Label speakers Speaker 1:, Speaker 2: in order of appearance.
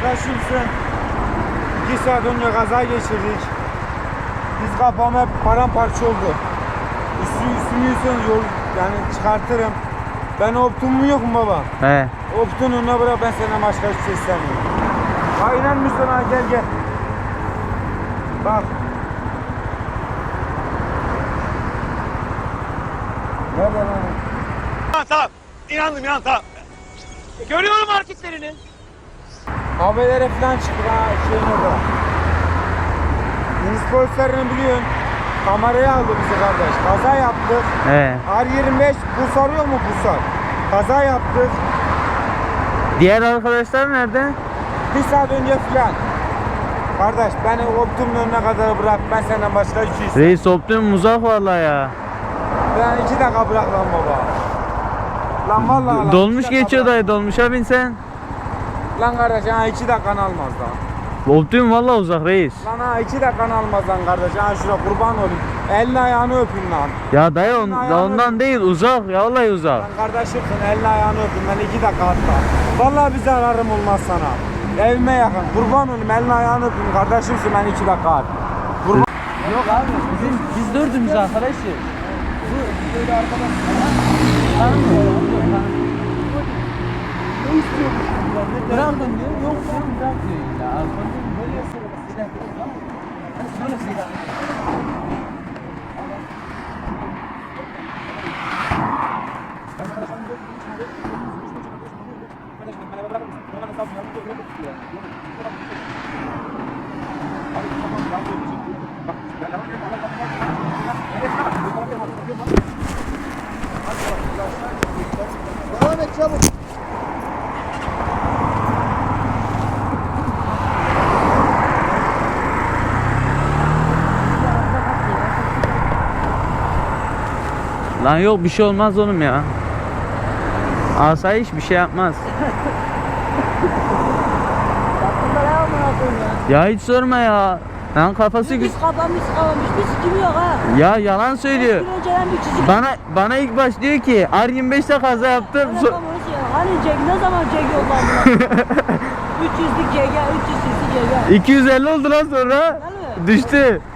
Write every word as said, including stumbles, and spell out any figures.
Speaker 1: kardeşimsin. İki saat önce kaza geçirdik. Biz kafam hep paramparça oldu. Üstü üstünü yüzden yol yani çıkartırım. Ben optumum yok mu baba?
Speaker 2: He.
Speaker 1: Optun önüne bırak, ben senden başka hiçbir şey istemiyorum. Aynen Müslüman, gel gel. Bak. Nerede lan?
Speaker 3: Tamam tamam. İnandım inan tamam. Görüyorum hareketlerini.
Speaker 1: Haberlere falan çıktı ha şeyin orada. Deniz polislerini biliyorsun. Kameraya aldı bizi kardeş. Kaza yaptık.
Speaker 2: He.
Speaker 1: R yirmi beş Pusar yok mu Pusar? Kaza yaptık.
Speaker 2: Diğer arkadaşlar nerede?
Speaker 1: Bir saat önce falan. Kardeş beni optumun önüne kadar bırak. Ben senden başka hiçbir şey istemiyorum.
Speaker 2: Reis Optimum uzak vallahi ya.
Speaker 1: Ben iki dakika bırak lan baba. Lan vallahi lan.
Speaker 2: Dolmuş
Speaker 1: iki dakika
Speaker 2: geçiyor
Speaker 1: bırak.
Speaker 2: dayı, dolmuşa binsen.
Speaker 1: Lan kardeş ha iki dakikanı almaz lan.
Speaker 2: Optimum vallahi uzak reis.
Speaker 1: Lan ha iki dakikanı almaz lan kardeş. Ha şuraya kurban olayım. Elini ayağını öpeyim lan.
Speaker 2: Ya dayı on,
Speaker 1: Ayağını
Speaker 2: ondan değil, uzak ya, vallahi uzak.
Speaker 1: Lan kardeşimsin, elini ayağını öpeyim. Ben iki dakika hatta. Vallahi bir zararım olmaz sana. Evime yakın. Kurban olayım, elini ayağını öpeyim. Kardeşimsin, ben iki dakika at. Kurban.
Speaker 2: Yok abi, bizim, biz dördümüz arkadaşız. Bu böyle arkadaş.
Speaker 1: Ne istiyormuş?
Speaker 2: Bırakın diyor, yok sen bırak diyor illa. Alkol böyle silah silah tamam mı? Böyle silah.
Speaker 1: Devam et çabuk.
Speaker 2: Lan yok, bir şey olmaz oğlum ya. Asayiş bir şey yapmaz. Ya hiç sorma ya. Lan kafası güç.
Speaker 4: Biz kafamız kavamış, biz kim yok ha?
Speaker 2: Ya yalan söylüyor.
Speaker 4: Bir önceden bir çizik.
Speaker 2: Bana bana ilk baş diyor ki R yirmi beşte kaza yaptım.
Speaker 4: Bana
Speaker 2: So-
Speaker 4: kamuoyu şey, hani Ceg ne zaman Ceg yollandılar? üç yüzlük Ceg'e, üç yüz cc Ceg'e.
Speaker 2: iki yüz elli oldu lan sonra.
Speaker 4: Değil mi?
Speaker 2: Düştü.